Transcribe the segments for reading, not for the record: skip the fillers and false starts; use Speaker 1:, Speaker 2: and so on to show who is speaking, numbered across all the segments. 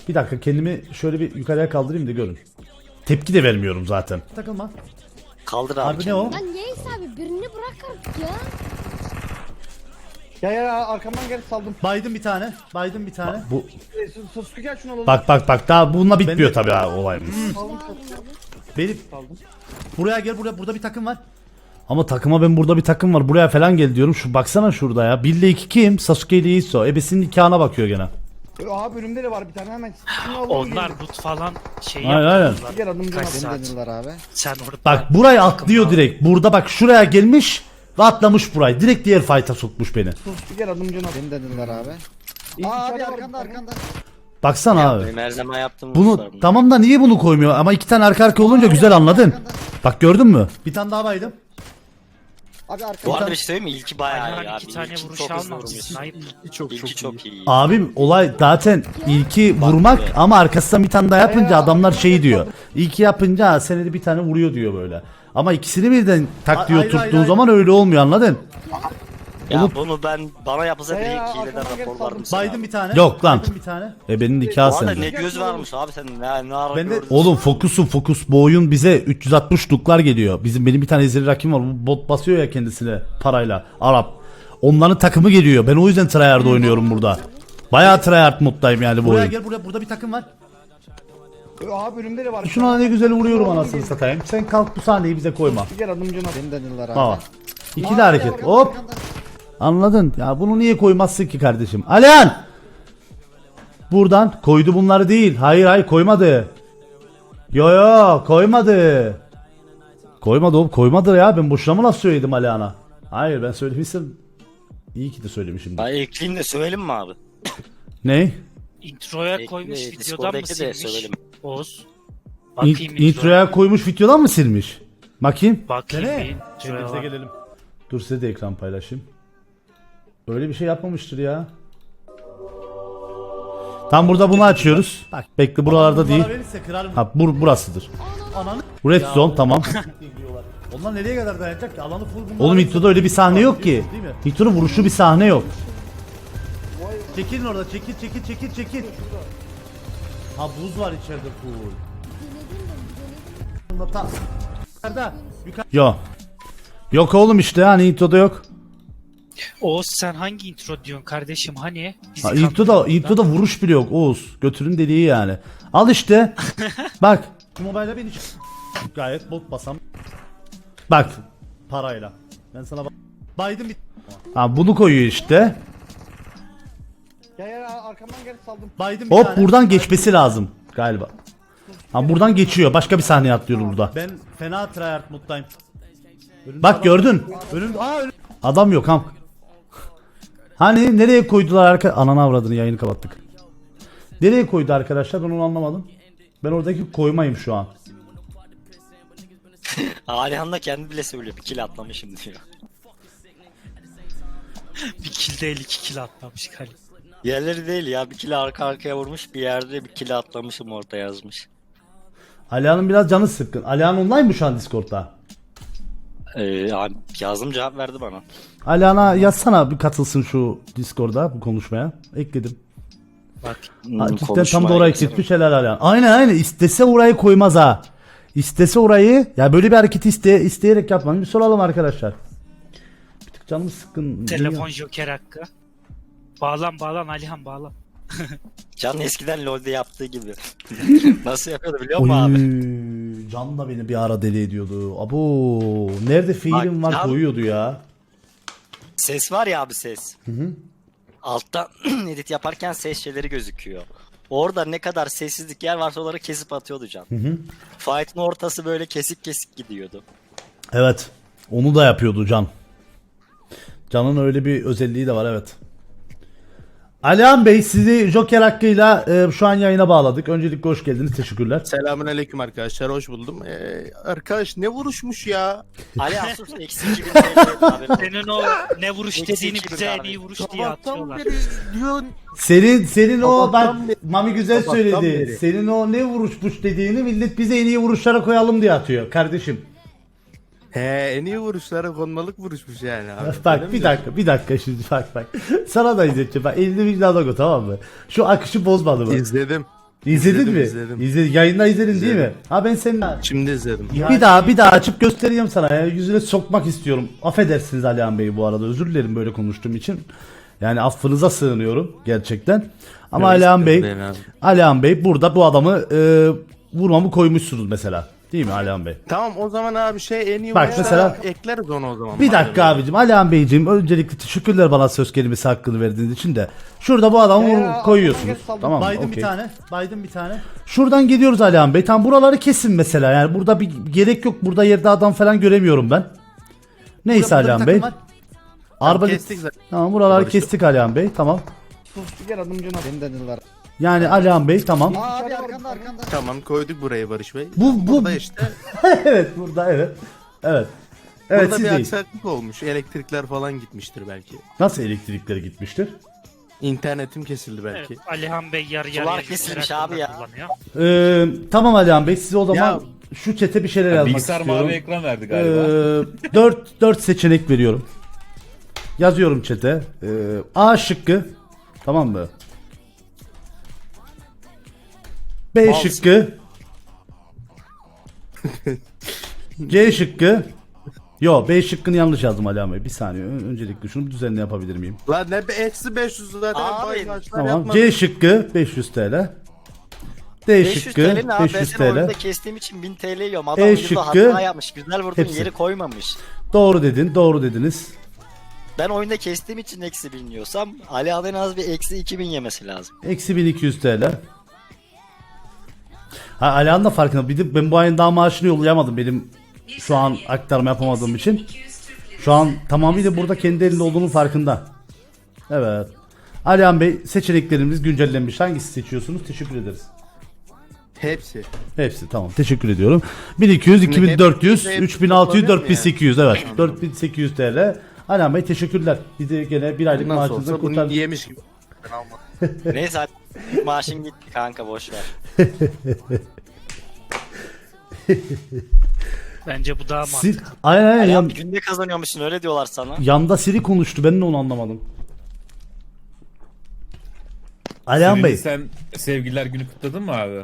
Speaker 1: Bir dakika kendimi şöyle bir yukarıya kaldırayım da görün. Tepki de vermiyorum zaten. Takılma.
Speaker 2: Kaldır abi.
Speaker 1: Abi ne o?
Speaker 3: Lan Yeis abi birini bırak artık ya.
Speaker 4: Ya arkamdan gel saldım.
Speaker 1: Baydım bir tane. Baydım bir tane. Bu
Speaker 4: Sasuke gel şunu alalım.
Speaker 1: bak daha bununla bitmiyor tabii ha olayımız.
Speaker 4: Saldım.
Speaker 1: Benim
Speaker 4: Saldım.
Speaker 1: buraya gel burada bir takım var. Ama takıma ben burada bir takım var. Buraya falan gel diyorum. Şu baksana şurada ya. 1 ile 2 kim? Sasuke ile Iso. Ebesinin nikahına bakıyor gene.
Speaker 4: Abi önümde de var bir tane hemen. Şunu alalım.
Speaker 5: Onlar loot falan şey
Speaker 1: Aynen, aynen.
Speaker 5: yapıyorlar.
Speaker 4: Gel adım
Speaker 5: Kaç
Speaker 4: canım.
Speaker 5: saat?
Speaker 6: abi.
Speaker 5: Sen orada
Speaker 1: Bak burayı atlıyor direkt. Burada bak şuraya gelmiş ve atlamış burayı. Direkt diğer fight'a sokmuş beni.
Speaker 4: Gel adım canım.
Speaker 6: Beni dediler abi.
Speaker 4: İyi,
Speaker 6: Aa abi
Speaker 4: içeride var bir
Speaker 6: arkanda
Speaker 4: tane.
Speaker 6: arkanda.
Speaker 1: Baksana abi.
Speaker 2: Benim her zaman yaptığım
Speaker 1: Bunu
Speaker 2: hususlar bunlar.
Speaker 1: tamam da niye bunu koymuyor? Ama iki tane arka olunca güzel anladın. Bak gördün mü? Bir tane daha baydım.
Speaker 6: Abi
Speaker 2: Bu
Speaker 6: arkanda.
Speaker 2: arada bir şey söyleyeyim mi? İlki bayağı iyi
Speaker 5: Ayhan
Speaker 2: abi.
Speaker 5: 2 tane
Speaker 2: İlki
Speaker 5: vuruş
Speaker 2: çok hızlı
Speaker 5: almamış.
Speaker 2: vurmuş.
Speaker 5: Sniper.
Speaker 2: İlki çok iyi.
Speaker 1: Abim olay zaten ilki vurmak
Speaker 2: be.
Speaker 1: ama arkasından bir tane daha yapınca adamlar şey diyor. İlki yapınca "Ha, senede bir tane vuruyor diyor böyle. Ama ikisini birden tak diyor tuttuğun zaman öyle olmuyor anladın?
Speaker 2: Ya bunu bana yapılsa
Speaker 4: Ya,
Speaker 2: direkt hileden
Speaker 4: arkadan gel,
Speaker 2: raporlardım
Speaker 4: saldım.
Speaker 2: sana.
Speaker 1: Baydım bir tane. Yok lan. Bir tane. Benim nikah
Speaker 2: Bu arada
Speaker 1: sende.
Speaker 2: ne göz varmış abi sen ne ara
Speaker 1: Ben de
Speaker 2: gördün?
Speaker 1: oğlum fokus bu oyun bize 360 luklar geliyor. Benim bir tane ezeli rakibim var. Bu bot basıyor ya kendisine parayla. Arap. Onların takımı geliyor. Ben o yüzden tryhard oynuyorum burada. Bayağı tryhard moddayım yani bu oyun. Gel burada bir takım var.
Speaker 4: Abi önümde de var. bir
Speaker 1: Şuna
Speaker 4: tane.
Speaker 1: ne güzel vuruyorum anasını satayım. Sen kalk bu sahneyi bize koyma.
Speaker 4: Gel adım canım.
Speaker 6: Beni dediler abi.
Speaker 1: Baba. İkili hareket. Hop. Anladın? Ya bunu niye koymazsın ki kardeşim? Alihan! Buradan koydu bunları değil. Hayır koymadı. Yo koymadı. Koymadı oğlum koymadı ya. Ben boşuna mı laf söyledim Alihan'a? Hayır ben söylemişim. İyi ki de söylemişim.
Speaker 2: Ben ekleyeyim de söyleyelim mi abi?
Speaker 1: Ne?
Speaker 5: Introya koymuş videodan
Speaker 2: Discord'daki
Speaker 5: mı
Speaker 2: de
Speaker 5: silmiş?
Speaker 2: söyleyelim.
Speaker 5: Oğuz. Bakayım
Speaker 1: Introya koymuş videodan mı silmiş? Bakayım.
Speaker 5: Bakayım
Speaker 1: Dene.
Speaker 5: bir introya
Speaker 1: Şimdi bize
Speaker 5: bak.
Speaker 1: gelelim. Dur size de ekran paylaşayım. Öyle bir şey yapmamıştır ya. Tam burada bunu açıyoruz. Bak bekle buralarda değil. Ha burasıdır. Bu red zone tamam. Onlar nereye kadar dayanacak ki? Alanı full bunlar. Oğlum introda öyle bir sahne yok ki. Introda vuruşlu bir sahne yok. Çekilin orada çekil. Ha buz var içeride full. Yok oğlum işte hani introda yok.
Speaker 5: Oğuz sen hangi intro diyorsun kardeşim hani? Bizi
Speaker 1: Ha,
Speaker 5: kandırdın
Speaker 1: introda vuruş bile yok Oğuz. Götürün dediği yani. Al işte. Bak. Mobilde beni gayet bot basam. Bak. Parayla. Ben sana baydım bir. Ha bunu koyuyor işte.
Speaker 4: Ya arkamdan gel saldım.
Speaker 1: Baydım bir tane. Buradan geçmesi lazım galiba. Ha buradan geçiyor. Başka bir sahneye atlıyor burada. Ben fena tryhard moddayım. Bak gördün. Adam yok ham. Hani nereye koydular ananı avradını yayını kapattık. Nereye koydu arkadaşlar ben onu anlamadım. Ben oradaki koymayım şu an.
Speaker 2: Alihan da kendi bile söylüyor bir kill atlamışım diyor.
Speaker 5: Bir kill değil 2 kill atlamış galiba.
Speaker 2: Yerleri değil ya bir kill arka arkaya vurmuş bir yerde bir kill atlamışım orada yazmış.
Speaker 1: Alihan'ın biraz canı sıkkın. Alihan online mı şu an Discord'da?
Speaker 2: Abi yazdım cevap verdi bana.
Speaker 1: Alihan'a yazsana bir katılsın şu Discord'a bu konuşmaya. Ekledim.
Speaker 5: Bak
Speaker 1: Ha, cidden tam
Speaker 2: Konuşmaya
Speaker 1: da orayı
Speaker 2: gitsene.
Speaker 1: kesmiş helal Alihan. Aynen istese orayı koymaz ha. İstese orayı ya böyle bir hareketi isteyerek yapmayın. Bir soralım arkadaşlar. Bir tık canım sıkkın.
Speaker 5: telefon joker hakkı. Bağlan Alihan bağlan.
Speaker 2: Can eskiden LoL'de yaptığı gibi. Nasıl yapıyordu biliyor musun abi?
Speaker 1: Oy, Can da beni bir ara deli ediyordu. Abo nerede fiilim
Speaker 2: Bak,
Speaker 1: var
Speaker 2: Can-
Speaker 1: koyuyordu ya.
Speaker 2: Ses var ya abi ses. Altta edit yaparken ses şeyleri gözüküyor. Orada ne kadar sessizlik yer varsa onları kesip atıyordu Can. Fight'ın ortası böyle kesik kesik gidiyordu.
Speaker 1: Evet. Onu da yapıyordu Can. Can'ın öyle bir özelliği de var evet. Alihan Bey sizi Joker hakkıyla şu an yayına bağladık. Öncelikle hoş geldiniz. Teşekkürler.
Speaker 7: Selamünaleyküm arkadaşlar, hoş buldum. Arkadaş ne vuruşmuş ya?
Speaker 2: Ali Asus eksi 2000 TL abi.
Speaker 5: Senin o ne vuruş
Speaker 2: Eksi
Speaker 5: dediğini
Speaker 2: iki
Speaker 5: bize
Speaker 2: bin
Speaker 5: en
Speaker 2: abi.
Speaker 5: iyi vuruş diye
Speaker 7: Sabahtan
Speaker 5: atıyorlar.
Speaker 7: beri diyorsun.
Speaker 1: Senin o bak
Speaker 7: Sabahtan beri-
Speaker 1: Mami güzel
Speaker 7: Sabahtan
Speaker 1: söyledi.
Speaker 7: beri.
Speaker 1: Senin o ne vuruşmuş dediğini millet bize en iyi vuruşlara koyalım diye atıyor kardeşim.
Speaker 7: He, en iyi vuruşlara konmalık vuruşmuş yani abi. Öyle
Speaker 1: Bak
Speaker 7: mi
Speaker 1: bir dakika şimdi bak. Sana da izleteceğim. Bak elini vicdana koy tamam mı? Şu akışı bozmadı mı?
Speaker 7: diyorsun? İzledim.
Speaker 1: İzledin mi?
Speaker 7: İzledim.
Speaker 1: Yayında izledin değil mi?
Speaker 7: İzledim.
Speaker 1: Ha ben senin
Speaker 7: Şimdi izledim.
Speaker 1: bir daha açıp göstereyim sana ya. Yüzüne sokmak istiyorum. Affedersiniz Alihan Bey bu arada. Özür dilerim böyle konuştuğum için. Yani affınıza sığınıyorum gerçekten. Ama
Speaker 7: Yok,
Speaker 1: Alihan Bey,
Speaker 7: sıkıntı değil abi.
Speaker 1: Alihan Bey burada bu adamı vurmamı koymuşsunuz mesela. Değil mi Alihan Bey?
Speaker 7: Tamam o zaman abi en iyi
Speaker 1: Bak
Speaker 7: oyunculara
Speaker 1: mesela-
Speaker 7: ekleriz onu o zaman.
Speaker 1: Bir dakika abicim. Alihan Beyciğim öncelikle teşekkürler bana söz kelimesi hakkını verdiğiniz için de. Şurada bu adamı
Speaker 4: Ya,
Speaker 1: koyuyorsunuz.
Speaker 4: Aman saldım.
Speaker 1: Tamam mı?
Speaker 8: Biden
Speaker 1: Okey.
Speaker 8: bir tane. Biden bir tane.
Speaker 1: Şuradan gidiyoruz Alihan Bey. Tam buraları kesin mesela. Yani burada bir gerek yok. Burada yerde adam falan göremiyorum ben. Neyse
Speaker 8: Burada bir
Speaker 1: Alihan Bey.
Speaker 8: takım var.
Speaker 1: Arbalet.
Speaker 7: kestik zaten.
Speaker 1: Tamam buraları
Speaker 7: Barıştık.
Speaker 1: kestik Alihan Bey. Tamam.
Speaker 4: Sus gel adım Can abi.
Speaker 6: Beni dediler.
Speaker 1: Yani Alihan Bey tamam.
Speaker 6: Aa abi arkanda.
Speaker 7: Tamam koyduk buraya Barış Bey.
Speaker 1: Bu
Speaker 7: Burada işte.
Speaker 1: evet burada evet. Evet. Evet
Speaker 7: Burada
Speaker 1: siz
Speaker 7: bir
Speaker 1: deyin.
Speaker 7: aksaklık olmuş. Elektrikler falan gitmiştir belki.
Speaker 1: Nasıl elektrikleri gitmiştir?
Speaker 7: İnternetim kesildi belki.
Speaker 5: Evet, Alihan Bey yarı
Speaker 2: Sular
Speaker 5: yarıya
Speaker 2: kesilmiş
Speaker 5: merak
Speaker 2: abi ya.
Speaker 5: kullanıyor.
Speaker 1: Tamam Alihan Bey size o zaman
Speaker 7: Ya-
Speaker 1: şu çete bir şeyler yazmak
Speaker 9: Bilgisayar
Speaker 1: istiyorum.
Speaker 9: mavi ekran verdi galiba.
Speaker 1: 4 seçenek veriyorum. Yazıyorum çete. A şıkkı. Tamam mı? B
Speaker 7: Mouse.
Speaker 1: şıkkı. C şıkkı. Yo B şıkkını yanlış yazdım Ali Bey. Bir saniye. Öncelikle şunu bir düzenli yapabilir miyim?
Speaker 7: Lan ne eksi 500 zaten
Speaker 2: Abi,
Speaker 7: baymaçlar
Speaker 1: Tamam.
Speaker 7: yapmadık.
Speaker 1: C şıkkı 500 TL. D
Speaker 2: 500
Speaker 1: şıkkı
Speaker 2: TL ne abi? Ben
Speaker 1: 500
Speaker 2: seni oyunda
Speaker 1: TL.
Speaker 2: kestiğim için 1000 TL yiyorum. Adam
Speaker 1: E
Speaker 2: oyunda
Speaker 1: şıkkı,
Speaker 2: hata yapmış. Güzel vurdun
Speaker 1: hepsi.
Speaker 2: yeri koymamış.
Speaker 1: Doğru dedin. Doğru dediniz.
Speaker 2: Ben oyunda kestiğim için eksi 1000 yiyorsam Ali abi en az bir eksi 2000 yemesi lazım.
Speaker 1: Eksi 1200 TL. Ha Alihan da farkında. Bir de ben bu ayın daha maaşını yollayamadım. Benim şu an aktarma yapamadığım için. Şu an tamamıyla burada kendi elinde olduğunun farkında. Evet. Alihan Bey seçeneklerimiz güncellenmiş. Hangisi seçiyorsunuz? Teşekkür ederiz.
Speaker 7: Hepsi.
Speaker 1: Hepsi tamam. Teşekkür ediyorum. 1200, 2400,
Speaker 7: hepsi
Speaker 1: 3600,
Speaker 7: toplanıyor mu
Speaker 1: 4800 evet. 4800 TL. Alihan Bey teşekkürler. Bizi gene bir aylık
Speaker 7: Nasıl
Speaker 1: maaşınızı
Speaker 7: olsa bunu
Speaker 1: kurtardınız.
Speaker 7: yemiş gibi. Ben almadım.
Speaker 2: Neyse hadi. Maaşın gitti kanka boş ver.
Speaker 5: Bence bu daha
Speaker 1: Sil,
Speaker 5: mantıklı.
Speaker 1: aynen
Speaker 2: Ali
Speaker 1: yan,
Speaker 2: abi günde kazanıyormuşsun öyle diyorlar sana.
Speaker 1: yanda Siri konuştu. Ben de onu anlamadım. Alihan
Speaker 9: Siri'ni
Speaker 1: Bey.
Speaker 9: sen sevgililer günü kutladın mı abi?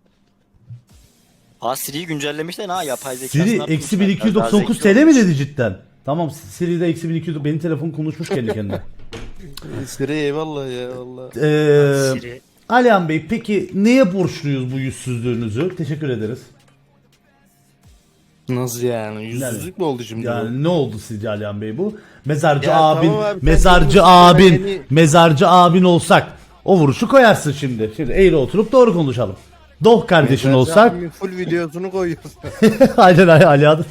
Speaker 2: Ha Siri'yi güncellemişler ha yapay zeka.
Speaker 1: Siri eksi 1299 TL mi dedi cidden? Tamam Siri'de eksi 1200 benim telefon konuşmuş kendi kendine.
Speaker 7: Siri eyvallah ya Allah.
Speaker 5: Siri.
Speaker 1: Alihan Bey peki neye borçluyuz bu yüzsüzlüğünüzü? Teşekkür ederiz.
Speaker 7: Nasıl yani? Yüzsüzlük mü oldu şimdi bu?
Speaker 1: Yani ne oldu sizce Alihan Bey bu? Mezarcı
Speaker 7: Ya
Speaker 1: abin,
Speaker 7: tamam abi, sen
Speaker 1: mezarcı
Speaker 7: bunu
Speaker 1: abin,
Speaker 7: yeni-
Speaker 1: mezarcı abin olsak o vuruşu koyarsın şimdi. Şimdi eğri oturup doğru konuşalım. Doh kardeşin
Speaker 7: Mesela
Speaker 1: olsak.
Speaker 7: abimin full videosunu koyuyoruz.
Speaker 1: Aynen Alihan.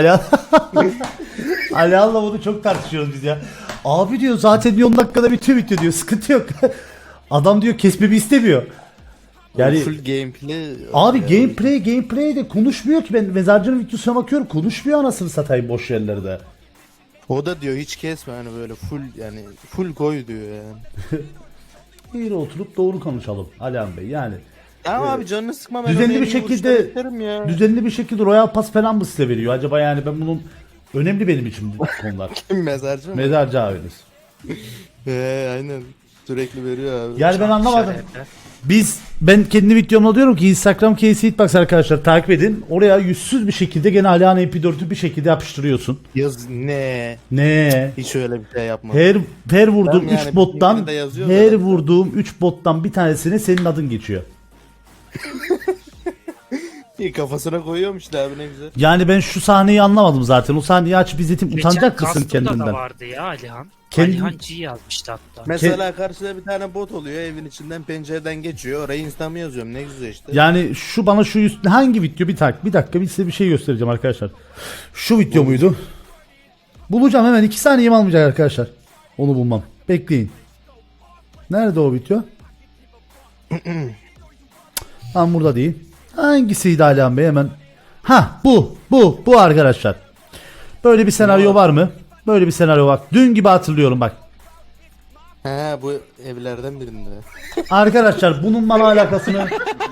Speaker 1: Alihan'la bunu çok tartışıyoruz biz ya. Abi diyor zaten diyor 10 dakikada bitiyor diyor. Sıkıntı yok. Adam diyor kesmemi istemiyor. Yani
Speaker 7: full gameplay.
Speaker 1: abi
Speaker 7: Ya.
Speaker 1: gameplay de konuşmuyor ki ben mezarcının videosuna bakıyorum konuşmuyor anasını satayım boş yerlerde.
Speaker 7: O da diyor hiç kesme hani böyle full yani full koy diyor yani.
Speaker 1: Eğri oturup doğru konuşalım Alihan Bey yani.
Speaker 7: Ya abi canını sıkma ben
Speaker 1: Düzenli
Speaker 7: öyle
Speaker 1: bir
Speaker 7: iyi
Speaker 1: şekilde
Speaker 7: vuruşlar isterim ya.
Speaker 1: düzenli bir şekilde Royal Pass falan mı size veriyor? Acaba yani ben bunun önemli benim için bu konular.
Speaker 7: Mezarcı mı?
Speaker 1: Mezarcı abiniz.
Speaker 7: Aynen. Sürekli veriyor abi.
Speaker 1: Yani ben anlamadım.
Speaker 5: İşaretler.
Speaker 1: Ben kendi videomda diyorum ki Instagram Casey Hitbox arkadaşlar takip edin. Oraya yüzsüz bir şekilde gene Alihan MP4'ü bir şekilde yapıştırıyorsun.
Speaker 7: Yaz ne?
Speaker 1: Ne?
Speaker 7: Hiç öyle bir şey yapmadım.
Speaker 1: Her vurduğum
Speaker 7: Ben yani
Speaker 1: 3 bottan
Speaker 7: bir de yazıyor
Speaker 1: her
Speaker 7: zaten.
Speaker 1: vurduğum 3 bottan bir tanesine senin adın geçiyor.
Speaker 7: İyi kafasına koyuyormuş işte abi ne güzel.
Speaker 1: Yani ben şu sahneyi anlamadım zaten. O sahneyi açıp izletim
Speaker 5: Geçen
Speaker 1: utanacak mısın
Speaker 5: Gasto'da da
Speaker 1: kendinden?
Speaker 5: vardı ya Alihan.
Speaker 1: Kendi-
Speaker 5: Alihan G yazmıştı hatta.
Speaker 7: Mesela karşıda bir tane bot oluyor evin içinden pencereden geçiyor oraya instamı yazıyorum ne güzel işte.
Speaker 1: Yani şu bana şu üst hangi video bir dakika bir size bir şey göstereceğim arkadaşlar. Şu video muydu? Bulacağım hemen 2 saniyem almayacak arkadaşlar. Onu bulmam. Bekleyin. Nerede o video? Tam burada değil. Hangisiydi Alihan Bey hemen? Ha bu arkadaşlar. Böyle bir senaryo var mı? Böyle bir senaryo var. Dün gibi hatırlıyorum bak.
Speaker 7: He bu evlerden birinde.
Speaker 1: Arkadaşlar bunun bana alakasını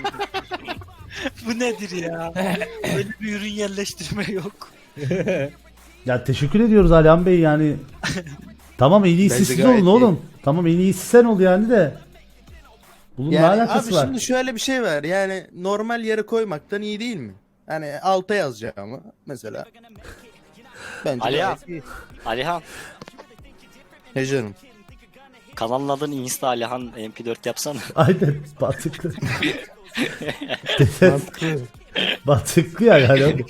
Speaker 5: Bu nedir ya? Böyle bir ürün yerleştirme yok.
Speaker 1: ya teşekkür ediyoruz Alihan Bey yani. Tamam en iyisi
Speaker 7: Bence
Speaker 1: siz
Speaker 7: gayet
Speaker 1: olun
Speaker 7: iyi.
Speaker 1: oğlum. Tamam en iyisi sen ol yani de. Bunun ne
Speaker 7: Yani
Speaker 1: alakası
Speaker 7: abi
Speaker 1: var?
Speaker 7: şimdi şöyle bir şey var. Yani normal yere koymaktan iyi değil mi? Hani alta yazacağımı mesela. Bence
Speaker 2: Ali
Speaker 7: gayet iyi.
Speaker 2: Alihan.
Speaker 7: He canım.
Speaker 2: Kanalın adını Insta Alihan MP4 yapsana.
Speaker 1: Aynen batıklı. Batıklı ya yani.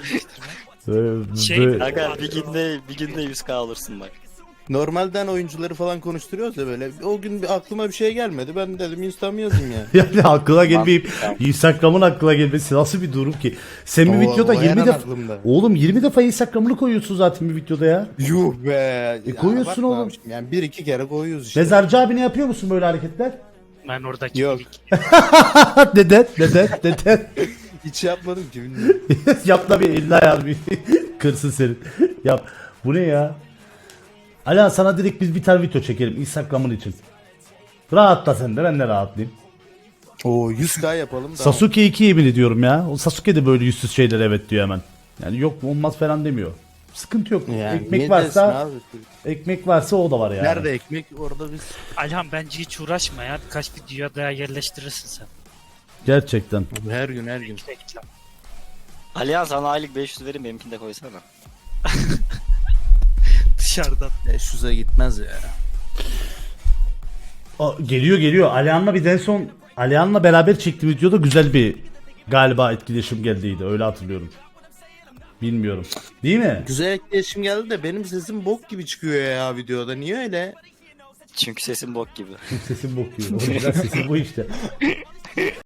Speaker 5: Şey-
Speaker 2: Aga bir günde 100k olursun bak.
Speaker 7: Normalden oyuncuları falan konuşturuyoruz ya böyle. O gün aklıma bir şey gelmedi. Ben dedim Insta'mı yazayım yani.
Speaker 1: Yani aklına gelmeyip
Speaker 2: Mantıklı.
Speaker 1: Instagram'ın aklına gelmesi nasıl bir durum ki? Sen bir
Speaker 7: O-
Speaker 1: videoda
Speaker 7: o
Speaker 1: 20
Speaker 7: hemen
Speaker 1: defa
Speaker 7: aklımda.
Speaker 1: Oğlum 20 defa Instagram'ını koyuyorsun zaten bir videoda ya.
Speaker 7: Yuh be.
Speaker 1: koyuyorsun
Speaker 7: abartma
Speaker 1: oğlum.
Speaker 7: abiciğim. Yani bir iki kere koyuyoruz işte.
Speaker 1: Mezarcı abi ne yapıyor musun böyle hareketler?
Speaker 5: Ben oradaki
Speaker 7: Yok.
Speaker 1: Neden? Neden?
Speaker 7: Hiç yapmadım ki bilmiyorum.
Speaker 1: Yap da bir elini ayağını bir kırsın senin. Yap. Bu ne ya? Ala sana direkt biz bir tane video çekelim Instagram'ın için. Rahatla sen de ben de rahatlayayım.
Speaker 7: Oo 100k yapalım da.
Speaker 1: Sasuke 2 yemin ediyorum ya. O Sasuke de böyle yüzsüz şeyler evet diyor hemen. Yani yok olmaz falan demiyor. Sıkıntı yok.
Speaker 7: Yani
Speaker 1: Ekmek
Speaker 7: niye
Speaker 1: varsa
Speaker 7: dersin abi?
Speaker 1: ekmek varsa o da var yani.
Speaker 7: Nerede ekmek orada biz.
Speaker 5: Alihan bence hiç uğraşma ya. Birkaç videoya daha yerleştirirsin sen.
Speaker 1: Gerçekten.
Speaker 7: Her gün her gün.
Speaker 5: Reklam.
Speaker 2: Alihan sana aylık 500 vereyim benimkini de koysana.
Speaker 5: Dışarıdan.
Speaker 7: 500'e gitmez ya.
Speaker 1: Geliyor. Alihan'la bir en son Alihan'la beraber çektiğim videoda güzel bir galiba etkileşim geldiydi. Öyle hatırlıyorum. Bilmiyorum. Değil mi?
Speaker 7: Güzel etkileşim geldi de benim sesim bok gibi çıkıyor ya videoda. Niye öyle?
Speaker 2: Çünkü sesin bok gibi.
Speaker 1: Sesim bokuyor. Orijinal sesim bu işte.